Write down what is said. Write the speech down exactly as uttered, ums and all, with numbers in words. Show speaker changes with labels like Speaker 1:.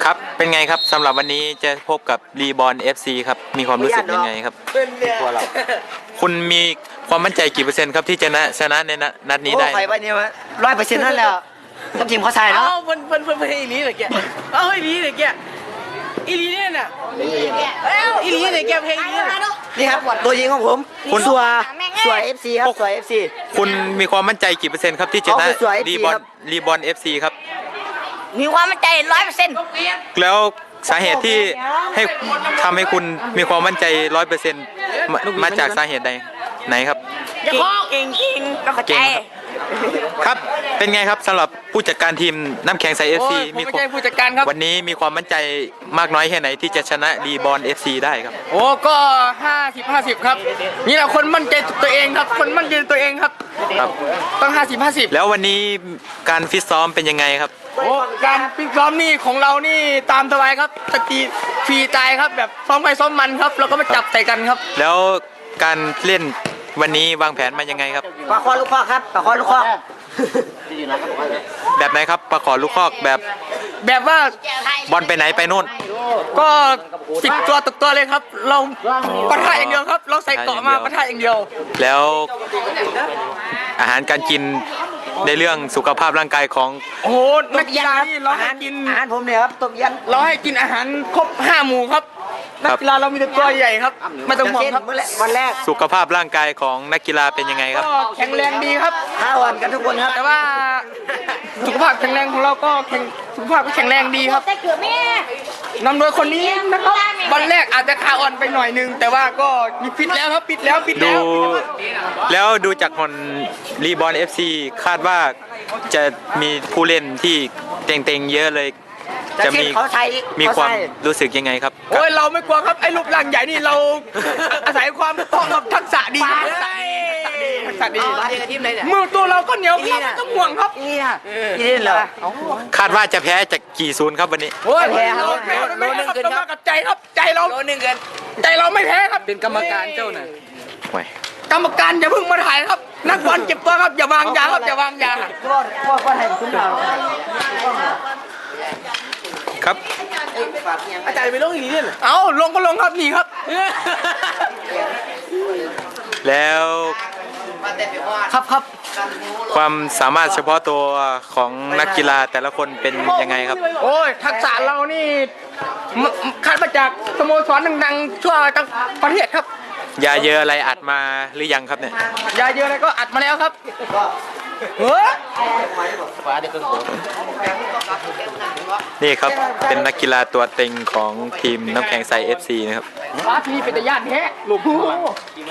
Speaker 1: ครับเป็นไงครับสำหรับวันนี้จะพบกับรีบอล เอฟ ซี ครับมีความรู้สึกยังไงครับตัวเราคุณมีความมั่นใจกี่เปอร์เซ็นต์ครับที่จะชนะชนะในนัดนี้ได้
Speaker 2: โอ้ใครวันนี้วะร้อยเปอร์เซ็นต์นั่นแหละทั้งทีมเขาใส่เนาะ
Speaker 3: เอ้าเพิ่นเพิ่นเพิ่นเพิ่นอีหลีเลยแกเอ้าอีหลีเลยแกอีหลีเนี่ยน่ะอีหลีเลยแกเพลงอีหลีน่ะ
Speaker 2: นี่ครับตัวยิงของผมคุณสัวสัวเอฟซีครับสัวเอฟซี
Speaker 1: คุณมีความมั่นใจกี่เปอร์เซ็นต์ครับที่จะชนะ
Speaker 2: เอาไปสวย
Speaker 1: รีบอล
Speaker 2: ครับ
Speaker 1: รีบอล เอฟ ซี ครับ
Speaker 4: มีความมั่นใจร้อยเปอร์เซ็นต์
Speaker 1: แล้วสาเหตุที่ให้ทำให้คุณมีความมั่นใจร้อยเปอร์เซ็นต์มาจากสาเหตุใดไหนครับ
Speaker 4: จะข้อเก่งจริงต้องเข้าใจ
Speaker 1: เก่งครับเป็นไงครับสำหรับผู้จัดการทีมน้ำแข็งใส เอฟ
Speaker 3: โอ้
Speaker 1: ซี
Speaker 3: ยผม
Speaker 1: มี
Speaker 3: ไม่ใช่ผู้จัดการครับ
Speaker 1: วันนี้มีความมั่นใจมากน้อยแค่ไหนที่จะชนะรีบอล เอฟ ซี ได้ครับ
Speaker 3: โอ้ก็ห้าสิบห้าสิบครับนี่แหละคนมั่นใจตัวเองครับคนมั่นใจตัวเองครับ
Speaker 1: ครับ
Speaker 3: ต้องห้าสิบห้าสิบ
Speaker 1: แล้ววันนี้การฟิตซ้อมเป็นยังไงครับ
Speaker 3: โอ้การฟิตซ้อมนี่ของเรานี่ตามสบายครับตะกี้ฟรีใจครับแบบซ้อมไปซ้อมมันครับแล้วก็มาจับใส่กันครับ
Speaker 1: แล้วการเล่นวันนี้วางแผนมายังไงครับ
Speaker 2: ปลาคอลูกคอกครับปลาคอลูกคอก
Speaker 1: แบบไหนครับประขอลูกคอกแบบ
Speaker 3: แบบว่า
Speaker 1: บอลไปไหนไปนู่น
Speaker 3: ก็สิบตัวตกตัวเลยครับ เราปะทะอย่างเดียวครับ เราใส่เกาะมาปะทะอย่างเดียว
Speaker 1: แล้วอาหารการกินในเรื่องสุขภาพร่างกายของ
Speaker 3: โอ้โหนักกีฬานี่เรา
Speaker 2: อา
Speaker 3: ให้
Speaker 2: หาร
Speaker 3: กิน
Speaker 2: อาหารผมเนี่ยครับต้มยัน
Speaker 3: เราให้กินอาหารครบห้าหมู่ครับนักกีฬาเรามีแต่ตัวใหญ่ครับไม่ต้องห่วงครับ
Speaker 2: วันแรก
Speaker 1: สุขภาพร่างกายของนักกีฬาเป็นยังไงครับ
Speaker 3: ก็แข็งแรงดีครับ
Speaker 2: ห้าวันกันทุกคนครับ
Speaker 3: แต่ว่าสุขภาพแข็งแรงของเราก็แข็งสุขภาพก็แข็งแรงดีครับ
Speaker 4: แต่เกือบแม่
Speaker 3: นำโดยคนนี้นะครับวันแรกอาจจะขาอ่อนไปหน่อยนึง แต่ว่าก็มีฟิตแล้วครับฟิตแล้วฟิต
Speaker 1: ดู
Speaker 3: แล้ว
Speaker 1: แล้วดูจากผลรีบอล เอฟ ซี คาดว่าจะมีผู้เล่นที่เต็งๆเยอะเลย
Speaker 2: แต่
Speaker 1: จะ
Speaker 2: เช่น
Speaker 1: มี
Speaker 2: เขาใช้
Speaker 1: มี
Speaker 2: เขา
Speaker 1: ความ
Speaker 2: ใช้
Speaker 1: รู้สึกยังไงครับ
Speaker 3: โอ้ยเราไม่กลัวครับไอ้รูปร่างใหญ่นี่เรา อาศัยความคล่องกับทักษะดีครับทักษะดีทักษะดีทักษะดีมือตัวเราก็เหนียวครับไม่ต้องห่วงครับ
Speaker 2: นี่นะนี่เล่นเหรอ
Speaker 1: คาดว่าจะแพ้จากกี่ศูนย์ครับวันนี้
Speaker 3: โอ้ย
Speaker 2: แพ้ครับ
Speaker 3: โลนึงโลนึงต้องมากับใจครับใจเราโลนึงเกินใจเราไม่แพ้ครับเป็นกรรมการเจ้าน่ะ
Speaker 1: โอ้ย
Speaker 3: กรรมการอย่าเพิ่งมาถ่ายครับนักบอลเจ็บตัวครับอย่าวางยาครับอย่าวางยา
Speaker 2: พ่อพ่อพ่อให้คุณเรา
Speaker 1: ครับ
Speaker 3: อาจารย์ไปลงอีกเนี่ยเอาลงก็ลงครับนี่ครับ
Speaker 1: แล้ว
Speaker 3: ครับครับ
Speaker 1: ความสามารถเฉพาะตัวของนักกีฬาแต่ละคนเป็นยังไงครับ
Speaker 3: โอ้ยทักษะเรานี่มคัดมาจากสโมสรดังๆทั่วทั้งประเทศครับ
Speaker 1: ยาเยอะอะไรอัดมาหรือยังครับเนี่ย
Speaker 3: ยาเยอะอะไรก็อัดมาแล้วครับเฮ้ย
Speaker 1: นี่ครับเป็นนักกีฬาตัวเต็งของทีมน้ำแข็งใส เอฟ ซี นะครับ
Speaker 3: ฟ้าที่เป็นตะย่านแท้หลวงพ่อ